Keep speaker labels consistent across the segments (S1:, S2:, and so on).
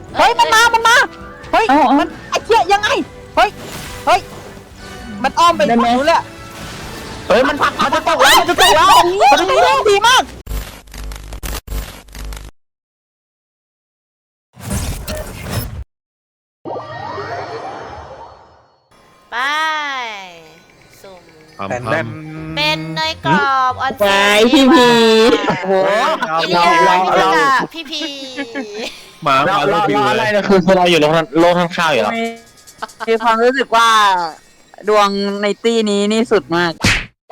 S1: เฮ้ยมันมาเฮ้ยมันไอ้เชี่ยยังไงเฮ้ยมันอ้อมไปฝั่งนู้นเลยเฮ้ยมันผลักมันจะตกแล้วมันดีมาก
S2: ไปสุ่ม
S3: เป็น
S2: เป็นเนยกรอบออนเซน
S4: พี่พี
S1: โอ้โห
S2: อิเลียมินากะพี่พี
S3: หมา
S4: เรา
S3: ลูกบิว
S4: อะไร
S3: เลย
S4: นะคือเราอยู่โลกข้างๆอยู่แล้ว
S1: มีความรู้สึกว่าดวงในตี้นี้นี่สุดมาก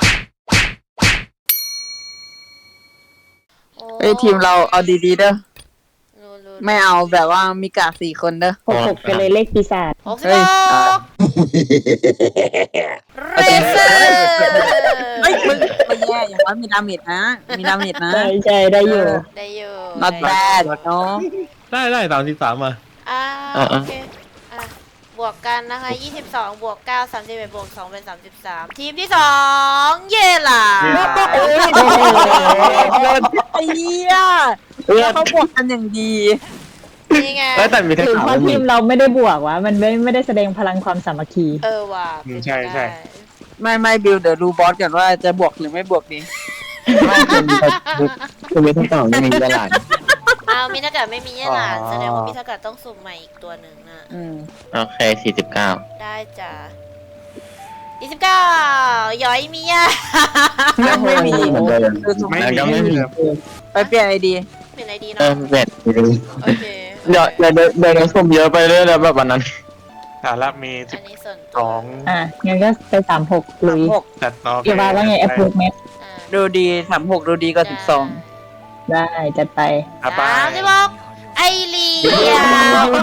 S1: เฮ้ยทีมเราเอาดีๆเด้อไม่เอาแบบว่ามีกา4 คนเด้อ
S4: หกกันเลยเลขปีศาจ
S2: 66เรเซอร์
S1: เฮ้ยมึงไม่แย่อย่างน้อยมีดาเมจนะ
S4: ใช่ได้อยู่
S2: ได้อยู่
S1: not bad เนาะ
S3: ได้33มา
S2: โอเคบวกกันนะคะ22บวก9 31บวก2เป็น33ทีมที่2เย่ล่ะ
S1: ไอ้เหี้ยแล้วเขาบวกกันอย่างดี
S2: นี่ไง
S4: แต่มีทั้ง
S5: ถึง
S4: สาม
S5: พอทีมเราไม่ได้บวกวะมันไม่ได้แสดงพลังความสามัคคี
S2: ว่ะ
S3: ใช่
S1: ไม่บิวเดี๋ยวดูบอสกันว่าจะบวกหรือไม่บวกดี
S4: คือมีทั้งสองมีตลาด
S2: มินากะไม่มีเนี่ยหลานแสดงว่ามินากะต้องสุ่มใหม่อีกตัวหนึ่งนะ
S4: โอเค49
S2: ได้จ้ะ29ย้อยมีอ่ะ
S1: ไม่มี
S4: แล้วก็ไม่มี
S1: ไปเปลี่ยนไอดี
S2: เป็นอะไรดี
S4: เอ
S2: เนาะ
S4: อเบ็ด
S2: โอเค
S4: เดี๋ยวสุ่มเยอะไปเรื่อยแล้วแบบวันนั้น
S3: แต่ละมี
S2: อันนี้ส่วนตัว
S5: งั้นก็ไป36ลุย
S3: 12แต่ต่อ
S5: เกี่ยวว่าไงแอปพลิเคชัน
S1: ดูดี36ดูดีกว่า12
S5: ได้จัดไป
S2: 36ไอเลีย
S5: ดู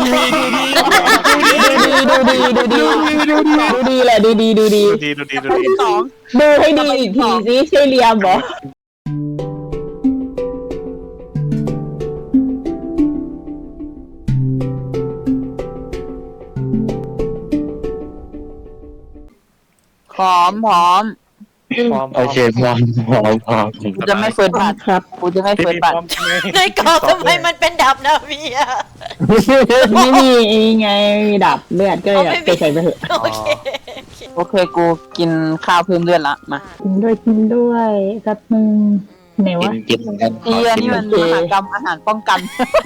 S5: ดีแหละดูดี
S3: ดูดี
S1: 12
S5: ดูให้ดีอีกทีสิใช่เรียมบอ
S1: หอม
S4: โอเคพร้อม
S1: กูจะไม่เฟิร์สบัตร
S5: ครับ
S1: กูจะไม่เฟิร์สบัตร
S2: ในกรอบทำไมมันเป็นดับนะพี่อะ
S5: ไม่มีไงมีดับเลือดก็เลยไปใส่ไปเถอะ
S2: โอเค
S1: โอเคกูกินข้าวเพิ่มเลือดละมา
S5: กินด้วยแป๊บนึงไหนวะ
S4: กินเหมือนกัน
S1: เอียนี่มันมหากรรมอาหารป้องกัน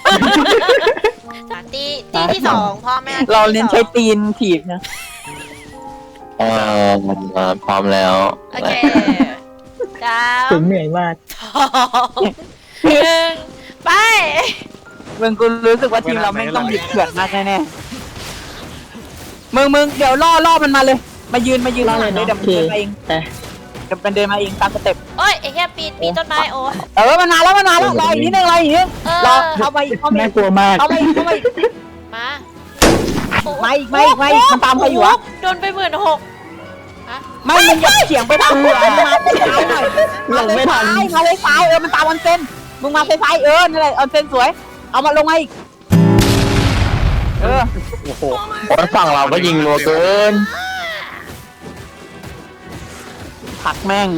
S2: ตีที่2พ่อแม่
S1: เราเน้นใช้ตีนถีบนะ
S4: พร้อมแล้ว
S2: โอเคจ้า
S5: ถึงเหนื่อยมาก
S2: 1ไป
S1: มึงกูรู้สึกว่าทีมเราไม่ต้องดิบเถื่อนมากแน่ๆมึงเดี๋ยวล่อมันมาเลย มายืนข้างหลังเลยเดี๋ยวมันเดินมาเองเดี๋ยวมันเดินมาเองตามสเต็ป
S2: โอ้ยไอ้แค่ปีนต้นไม้โอ้
S1: มันมาแล้วรออีกนิดนึงรอเข้ามาอีก
S5: น่ากลัวมาก
S1: เข้ามาอีก
S2: มา
S1: มาอีกมันตามใครอยู่วะ
S2: โดนไป16,000ฮะ
S1: ไม่มึงอย่าเฉียงไปทางขวามาซ้ายหน่อยมาเลยซ้ายมันตามออนเซนมึงมาซ้ายนั่นแหละออนเซนสวยเอามาลงมาอีก
S3: โอ้โห
S4: ฝั่งเราก็ยิงรัวเกิน
S1: ผักแม่ง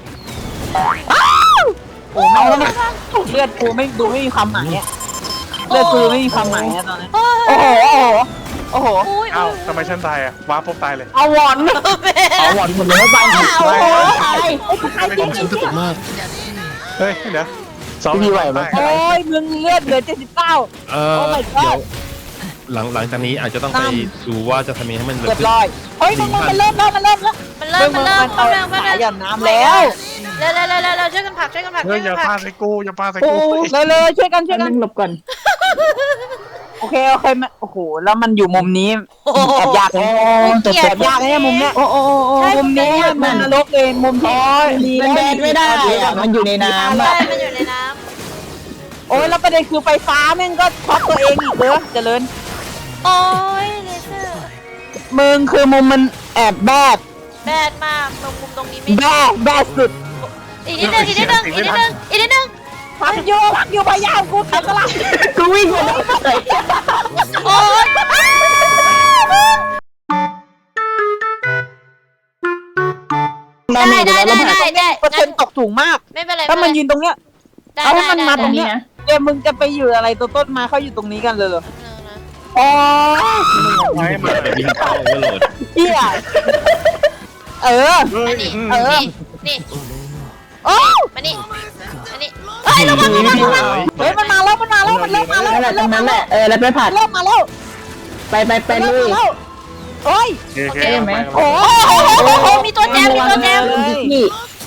S1: โอ้ไม่เลือดกูไม่มีความหมายอะเลือดกูไม่มีความหมายนะตอนนี้โอ้โห
S3: เอ้าทำไมฉันตายอ่ะว้าปุ๊บตายเลย
S1: เอาวอน
S4: เอาหวานหมดเลยไป
S1: โอ้โหตาย
S3: ความฉันสนุกมากเฮ้ยเดี๋ยว
S4: พี่ไหวไหม
S1: โอ้ยมึงเลือดเหลือ79
S6: เดี๋ยวหลังจากนี้อาจจะต้องไปดูว่าจะทำยังไงให้มัน
S1: เรียบร้อยเฮ้ยมันเริ่มแล้ว
S2: มันเริ่ม
S1: หย่อนน้ำแล้ว
S2: เร็วช่วยกันผลัก
S3: เฮ้ยอย่าพาใส่กู
S1: เลยช่วยกัน
S5: นั่งหลบก่อน
S1: โอเคโอ้โหแล้วมันอยู่มุมนี้แอบยากแอบยากเนี่ยมุมเนี้ยมุมนี้มันนรกเลยมุมที่
S5: มันแดดไม่ได้มันอยู่ในน้ำ
S2: ใช่มันอยู่ในน้
S1: โอ้ยแล้วประเด็นคือไฟฟ้าแม่งก็ช็อตตัวเองอีกเด้อเจริญ
S2: ำโอ้ยเลเซอร์
S1: มึงคือมุมมันแอบแบด
S2: แบดมากมุมตรงนี้ไม่
S1: แบดสุด
S2: อีกนิดนึง
S1: พักอยู่พยายามกูทำอะไร
S5: กูวิ่งมาได้
S2: โอ้ย ได้
S1: เปอร์เซ็นต์ตกสูงมาก
S2: ไม่เป็นไร
S1: ถ้ามันยืนตรงเนี้ยเอาให้มันมาตรงเนี้ยเดี๋ยวมึงจะไปอยู่อะไรตัวต้นมาเขาอยู่ตรงนี้กันเลยเหรอโอ้ย
S3: ไม่มา
S6: ไปวิ่งเข้าก็โหลด
S1: เหี้ยเออ
S3: เฮ้ย
S2: นี่
S1: เออ
S2: นี่
S1: โอ้
S2: มานี่มานี่เฮ้ยระวัง
S1: เฮ้ยมันมาแล้วมันเริ่มมาแล้ว
S5: นั่นแหละตรงนั้นแหละแล้วไปผัด
S1: เริ่มมาแล้ว
S5: ไปลุย
S1: โอ้ย
S3: โอเค
S5: ไหม
S1: โอ้
S2: โอ้มีตัวแจมมีตัวแจม
S5: นี่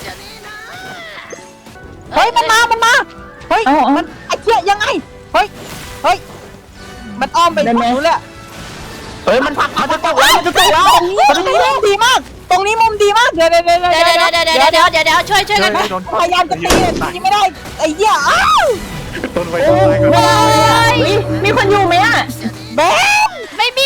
S1: เฮ้ยมันมาเฮ้ยมันไอ้เหี้ยยังไงเฮ้ยมันอ้อมไปฝั่งนู้นเลยเฮ้ยมันจะตกแล้วตรงนี้มุมดีมากตรงนี้มุมดีมากเดี๋ยว
S2: ช่วยกัน
S1: พยายามจะตีไม่ได้ไอ้เหี้ยอ้าว
S3: ต้นไว้ก่อน
S5: ไม่ได้มีคนอยู่ไหมอ่ะ
S1: แบม
S2: ไม่มี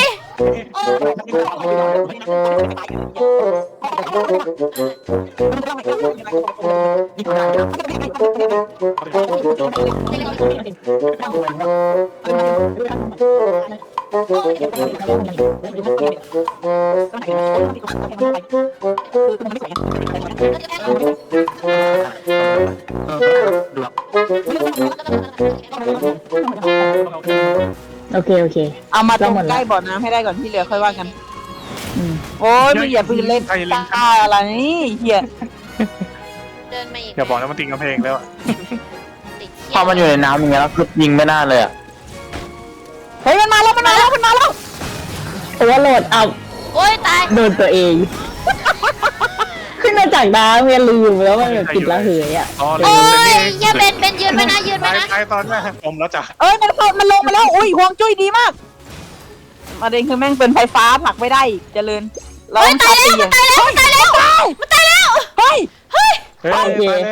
S5: โอเค
S1: เอามาตรงใกล้บ่อน้ำให้ได้ก่อนที่เหลือค่อยว่ากันโอ้ยมึงอย่าปืนเล่นตาอะไรนี่เหี้ย
S2: เดินมาอีก
S3: อย่าบอกนะมันติงกำแพงแล้ว
S4: พอมันอยู่ในน้ำอย่างเงี้ยแล้วคือยิงไม่น่าเลยอ่ะ
S1: เฮ้ยมันมาแล้ว
S5: ตัวโหลดเอา
S2: โอ้ยตาย
S5: โดนตัวเอง ขึ้นมาจากน้ำเมียลืมแล้วว่าแบบติดละเหยอ่ะ
S3: อ๋อเล
S2: โอ้
S3: ย
S2: ยอย่าเป็นยืนไปนะยืนไปนะ
S3: ตายตอนแรกผมแล้วจ้ะ
S1: เอ้ยมันลงมาแล้วอุ้ยห่วงจุ้ยดีมากประเด็นคือแม่งเป็นไฟฟ้าผลักไม่ได้เจริญเราต้องชาร์จตีอย่างเฮ้ย
S3: เฮ้ยไปแล้ว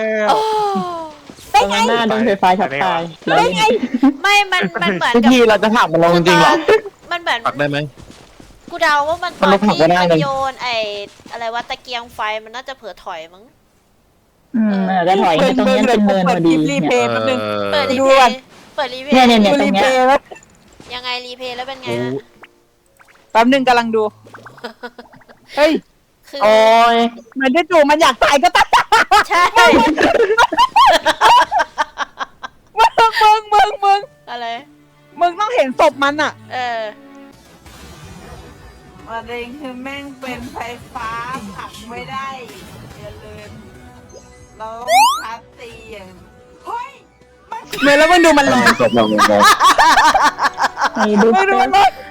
S1: ได้ไง
S5: หน้าโดนไฟฟ้าช็อตตาย
S1: ได้ไง
S2: ไม่มันเหมือนกับ
S4: พี่เราจะถามมันลงจริงเหรอ
S2: มันเหมือน
S6: ปักได้ไหม
S2: กูเดาว่ามันตอนที่มันโยนไอ้อะไรวะตะเกียงไฟมันน่าจะเผลอถอยมั้ง
S5: ก็ถอยตรงนี้เป็นเนินพอดี
S1: รีเพย์แป๊บนึง
S2: เปิดรี
S1: ดู
S2: เพ
S1: ก่อน
S2: ย์เปิดรีเพ
S5: เนี่ย
S2: ย์
S5: เนี่ย
S1: ดูรีเพย์แล้ว
S2: ยังไงรีเพย์แล้วเป็นไงฮะ
S1: แป๊บนึงกำลังดูเฮ้ย
S2: คือ
S4: โอ้ย
S1: มันจะจู่มันอยากตายก็ตาย
S2: ใช่
S1: มึง
S2: อะไร
S1: มึงต้องเห็นศพมันอ่ะ ประเด็นคือแม่งเป็นไฟฟ้าผลักไม่ได้อย่าลืมเราชัดตีอย่างเฮ้ยเมื่อแล้วมึงดูมันลอย
S4: จบลงเลย
S5: ดู
S1: มึงดูมันลอย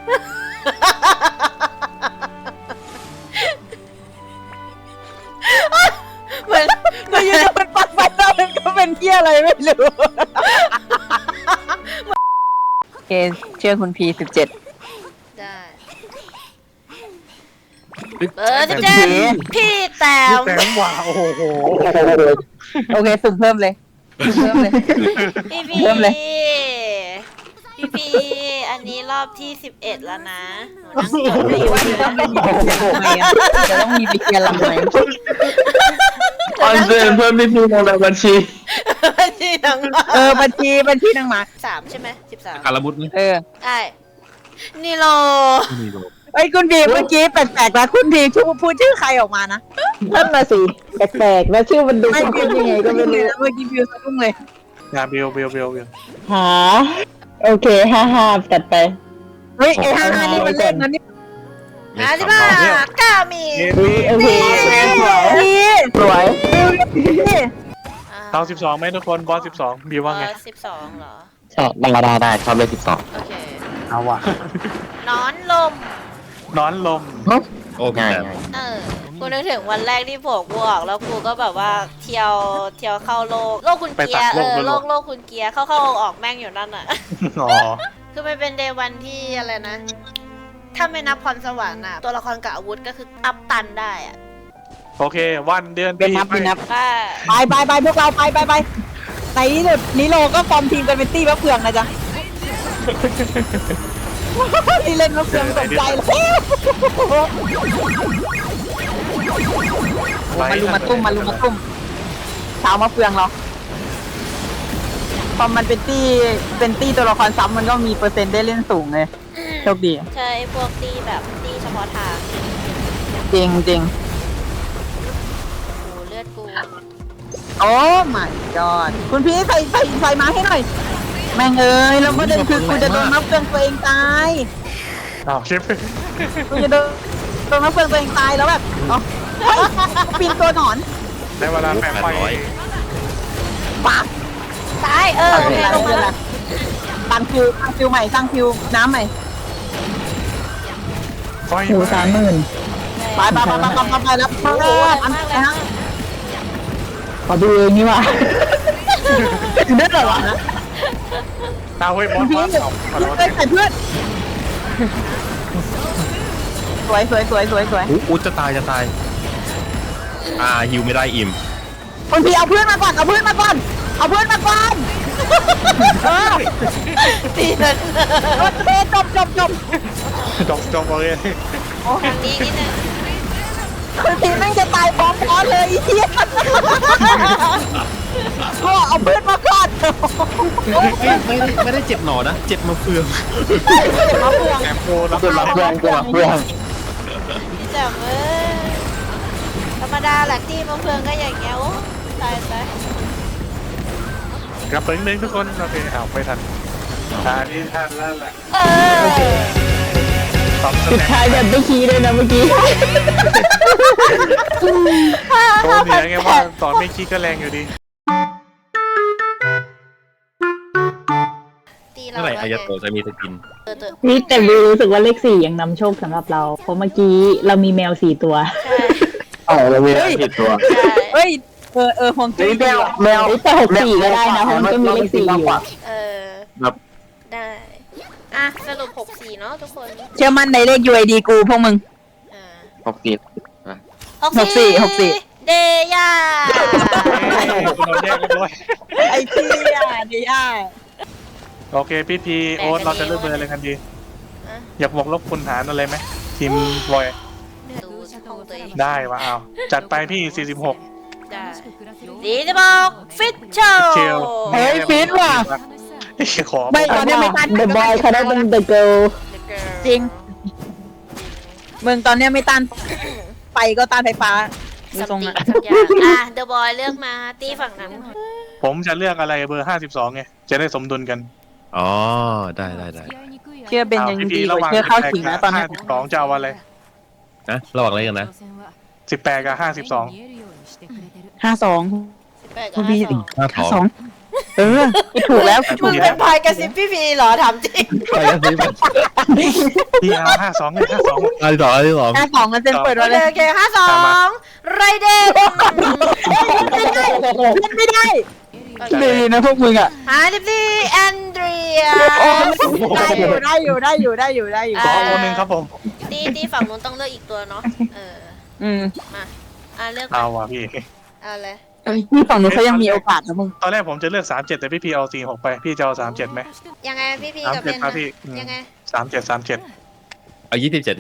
S1: เหมือนเราอยู่ๆมันปัดไฟแล้วมันก็เป็นเที่ยอะไรไม่รู้โอเคเชื่อคุณพี17
S2: ได้พี่แต้ม
S3: แต่หว่าโอ้โห
S1: โอเคสุ่มเพิ่มเลย
S2: พี่
S1: เริ่มเลย
S2: พี่อันนี้รอบที่11แล้วนะหนูนั่งจดเลยว่า
S1: จะต้องมีไปเกียร์ลำไหม
S4: ออนเซนเพิ่มพี่ลงในบัญชี
S2: บัญชีนางหมา
S1: บัญชีนางหมา
S2: 3ใช่ไหม13
S6: การละมุดไหม
S2: ได้นี่โล
S6: มีโล
S1: ไอ้คุณพีเมื่อกี้แปลกๆนะคุณพีพูดชื่อใครออกมานะ
S5: นั่นมาสิแปลกๆแล้วชื่อมันดูคุ้นๆยังไงก็ไม่รู้
S1: เมื่อกี้พิวสะดุ้งเลย
S3: อย่าเบล
S5: หาโอเค55จัดไป
S1: เฮ้ยไอ้55นี่มันเล่นนะนี่
S2: 55ก้ามี
S5: โอเคสวย
S3: เตา12ไหมทุกคนบอส12บิวว่าไง
S2: 12เหรอ
S4: ได้ชอบเลข
S2: โอเค
S3: เอาว่ะ
S2: นอนลม
S3: นอนลม
S6: โอ้พี่
S4: ง่าย
S6: แต้ม
S2: กูนึกถึงวันแรกที่ผมกูออกแล้วกูก็แบบว่าเที่ยวเข้าโลกคุณเกียร์โลกคุณเกียร์เข้าออกแม่งอยู่นั่นอ่ะ
S3: อ๋อ
S2: คือมันเป็นเดย์วันที่อะไรนะ ถ้าไม่นับพรสวรรค์อ่ะ ตัวละครกับอาวุธก็คืออัพตันได้อ่ะ
S3: โอเควันเดือน
S1: เป็นนับ
S2: ก็
S1: ไปพวกเราไปในที่สุดนิโรก็ฟอร์มทีมกันเป็นตี้มะเฟืองนะจ๊ะที่เล่นมะเฟืองสนใจแล้วมาลุมาตุ้มเช้ามะเฟืองเราพอมันเป็นตี้ตัวละครซ้ำมันก็มีเปอร์เซ็นต์ได้เล่นสูงเลยโชคดี
S2: ใช่พวกตีแบบตีเฉพาะทาง
S1: จริง
S2: โอ้เลือดกู
S1: โอ้ my god คุณพี่ใส่มาให้หน่อยแม่งเอ้ยแล้วประเด็นคือกูจะโดนมะเฟืองตัวเองตาย
S3: อ้าวชิป
S1: กูจะโดนมะเฟืองตัวเองตายแล้วแบบเอ้าเฮ้ยปีนตัวหนอน
S3: ในเวลาแปลงไฟ
S1: ปาก
S2: ตายโอเคลงมาแล้ว
S1: ตั้งฟิวใหม่ตั้งฟิวน้ำใหม่
S3: ไฟ
S5: หมู30,000
S1: ไปแล้วอันนะ
S5: ขอดูเองนี่ว่ะ
S1: ถึงได้เหรอวะ
S3: เอาเฮ้ยบอส
S1: พี่
S3: บอส
S1: เพื่อนใส่เพื่อนสวย
S6: อู้จะตายฮิวไม่ได้อิ่ม
S1: คนพี่เอาเพื่อนมาก่อนเพื่อนมาก่อน
S2: ตีนั่น
S1: โอเคจบ
S3: จบเลย
S2: ทางนี้นิดนึง
S1: คนพี่แม่งจะตายพร้อมพอเลยไอ้เหี้ยก็เอาเพื่อนมาก่อน
S6: ไม่ได้เจ็บหนอนะเจ็บมาเฟือง
S1: มาเพื่อน
S3: แอมโปรับ
S4: ตัวรับเพื่อนตัวรับเพื่อน
S2: พี่จับธรรมดาแหละตีมะเฟืองก็อย่างเงี้ยโอ้ตายไป
S3: กลับไปนึงทุกคนโอเคเอาไปทันนี่ทันแล้วแหละ ตอบ
S5: สุดท้ายแบบไม่คีเลยนะเมื่อกี้
S3: โชว์เหนือไงว่าตอนไม่คิดก็แรงอยู่ดี
S2: ตีเรา
S6: เมื่อไหร่อายาโตะจะมีสกิน
S5: นี่แต่วิวรู้สึกว่าเลข4ยังนำโชคสำหรับเรา เพราะเมื่อกี้เรามีแมว4 ตัว
S4: เรามีผิดตัว
S1: เฮ้ยฮวงจุ้ย
S4: แมว
S5: แต่64ก็ได้นะเพราะมันก็มีเลข4อยู่
S4: แบบ
S2: ได้อ่ะสรุป64เนาะทุกคน
S1: เชื่อมั่นในเลข UID กูพวกมึง
S4: 60
S1: 64
S2: เดย่า
S3: เราแยกเรียบร้อย
S1: ไอ้เชี่ยเดีย
S3: โอเคพี่พีโอ๊ตเราจะเลือกเบอร์อะไรกันดี อยากบอกลบคุณหารอะไรไหมทีมบอย
S2: ดูห้องตัวเอง
S3: ได้วะเอาจัดไปพี่ 46
S2: ได้ดีจะบอกฟิตโช
S3: เชล
S1: เฮ้ยฟิตว่ะ
S3: ขอ
S1: ไม่ตอนนี้ไม่ตัน
S5: The boy เขาได้เป็น The girl
S1: จริงมึงตอนเนี้ยไม่ตันไฟก็ต้านไฟฟ้าดู
S2: สัม
S1: ทรง
S2: ติ
S1: อะ
S2: สักอย่างเดอะบอยเลือกมาตีฝั่งนั้น
S3: ผมจะเลือกอะไรเบอร์ 52ไงจะได้สมดุลกัน
S6: อ๋อได้
S1: เชื่อเบนยัง
S3: พี่
S1: ดี
S3: พี
S1: ก
S3: ระห
S1: ว่า
S3: ว่าง
S1: เชื่อเข้าขิงนะตอนนี้
S3: 52จะเอาอะไร
S6: นะระหว่างอะไรกันนะ
S3: 18กับ52
S1: 52
S2: 8
S1: คุณ
S2: กับ
S1: พี่
S2: 52
S1: ถูกแล้วถู
S2: มึ
S1: ก
S2: ง
S1: แล้
S2: เป็
S1: วน
S2: พายกระซิบพี่พีเหรอถามจริง
S6: ไปกันสิมัน
S3: พี่เอา52ไง52
S6: อันที่สอง
S1: 52กันเซ็นเปิด
S2: โอ
S1: มา
S2: เค
S1: เลย
S2: โอเค52ไรเดน
S1: ไม่ได้ดีนะพวกมึงอ่ะ
S2: 54แอนเดรีย
S1: ได้อยู่
S3: ขอโอนึงครับผม
S2: ตีฝั่งนู้นต้องเลือกอีกตัวเนาะ
S1: อืม
S2: มาเลือก
S3: เอาว่ะพี่
S2: เอาเลย
S1: นี่ฝั่งนู้นเขายังมีโอกาสนะมึง
S3: ตอนแรกผมจะเลือก37แต่พี่พีเอา46ไปพี่จะเอา37ไหม
S2: ยังไงพี่พีกับเบน
S3: 37ครับพี่
S2: ยังไง
S3: 37
S6: เอา27
S2: พี่พี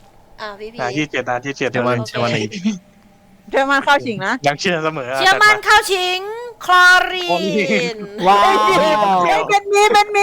S3: 27
S6: เชื่อมันใน
S1: เชื่อมันเข้าชิงนะ
S3: ยังเชื่อเสมอ
S2: เชื่อมั่นเข้าชิงคลอรีน
S1: ว้าวเป็นมี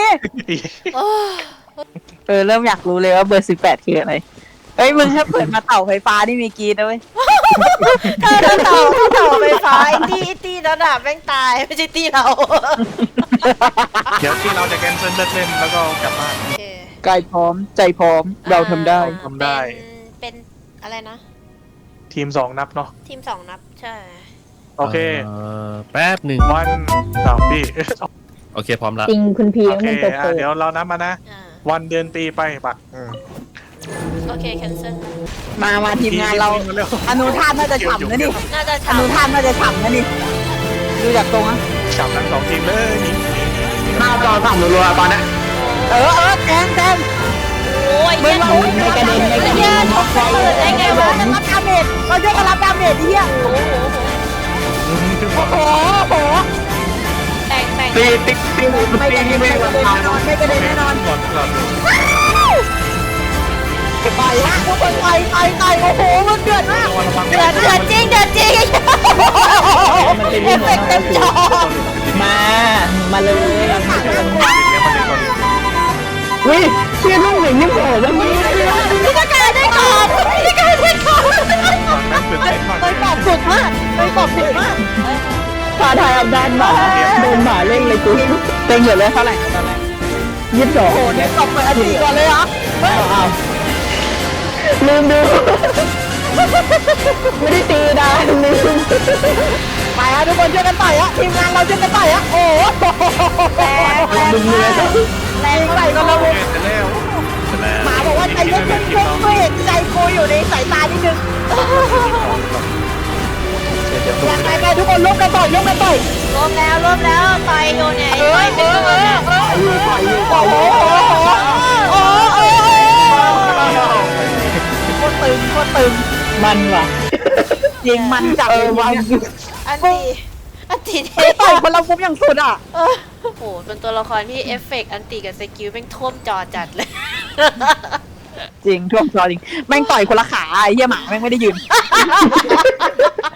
S1: เริ่มอยากรู้เลยว่าเบอร์18คืออะไรเอ้ยมึงถ้าเปิดมาเต่าไฟฟ้านี่มีกีดนะเว้ย
S2: ถ้าเต่าไฟฟ้าตีระดับแม่งตายไม่ใช่ตีเรา
S3: เดี๋ยวที่เราจะแคนเซิลเล่นแล้วก็กลับบ้าน
S1: กายพร้อมใจพร้อมเราทำได้
S3: ทำได้
S2: เป็นอะไรนะ
S3: ทีม2นับเนาะ
S2: ทีม2นับใช่
S3: โอเค
S6: แป๊บหนึ่ง
S3: วันพี่
S6: โอเคพร้อมละ
S5: จริงคุณพี
S3: โอ
S5: ต้อง
S3: เค
S5: เป็นตัวเปิด
S3: เดี๋ยวเรานับมานะ วันเดือนปีไปปัก
S2: โอเคแคนเซิล
S1: มาทีมงานเราอนุท่านน่าจะฉ่ำนะนี่
S2: น่าจะ
S1: อนุท่านน่าจะฉ่ำนะนี่ดูจากตรงอะ
S3: จับทั้ง2ทีมเลยนี่
S4: หน้าจอสั่งรัวๆตอนนี้
S1: แทง
S2: โอ้ย
S1: มึงเรา
S5: ไม่กระเด็นไม่กระเด็น
S2: ชกเปิดได้ไงวะ
S1: จะรับดาเมจเราจะรับดาเมจที่เหี้ยโอ้โห
S2: แต่ง
S4: ตีติ๊กติ๊ก
S1: ไม่กระเด็นแน่นอน
S3: ก่อนก่อน
S1: ไปฮะทุกคนไปโอ้โหมันเดือดมาก
S2: เดือดจริงเอฟเฟกต์เต็มจอ
S5: มาเลย
S3: เดี๋ยวมาเล่นก่อน
S5: อุ้ยเชื่อลูกหนึ่งนี่โผล่แล้วมึง
S2: พี่ตะการได้ก่อน
S3: ก่อนนั้นตื่นเต้นมาก
S1: เลยตอบสุดมาก
S5: ท้าทายอำนาจหมาโดนหมาเล่นเลยกู
S1: เต็งอยู่เลยเท่าไหร่ตอนแรก
S5: 22
S1: โอ้เนี่ยตบไปอันนี้ก่อนเลยเหรอเฮ้ย
S5: เอาลืมดูไม่ได้ตีนะลืม
S1: ไปฮะทุกคนช่วยกันต่อยฮะทีมงานเราช่วยกันต่อยฮะโอ้โห
S2: แรงแรงมากแรง
S1: ใส่
S2: มาก
S1: กันแล้ว
S3: จะแล้ว
S1: หมาบอกว่าใจเย็นๆช่วยเห็นใจกูอยู่ในสายตานิดนึงยังไงกันทุกคนร่วมกันต่อยร่วมกันต่อย
S2: รวมแล้วต่อยอยู่เนี่ยต่อยเป็นตัวเนี่ย
S1: โอ้โหโอ้โหโคตรตึงโคตรตึง
S5: มันว่ะ
S1: ยิงมันจับเลยวัน
S2: อันตีเท่
S1: ต่อยคนละมุมอย่างสุดอ่ะ
S2: โอ้โหเป็นตัวละครที่เอฟเฟกต์อันตีกับสกิลแม่งท่วมจอจัดเลย
S1: จริงท่วมจอจริงแม่งต่อยคนละขาไอ้เหี้ยหมาแม่งไม่ได้ยืน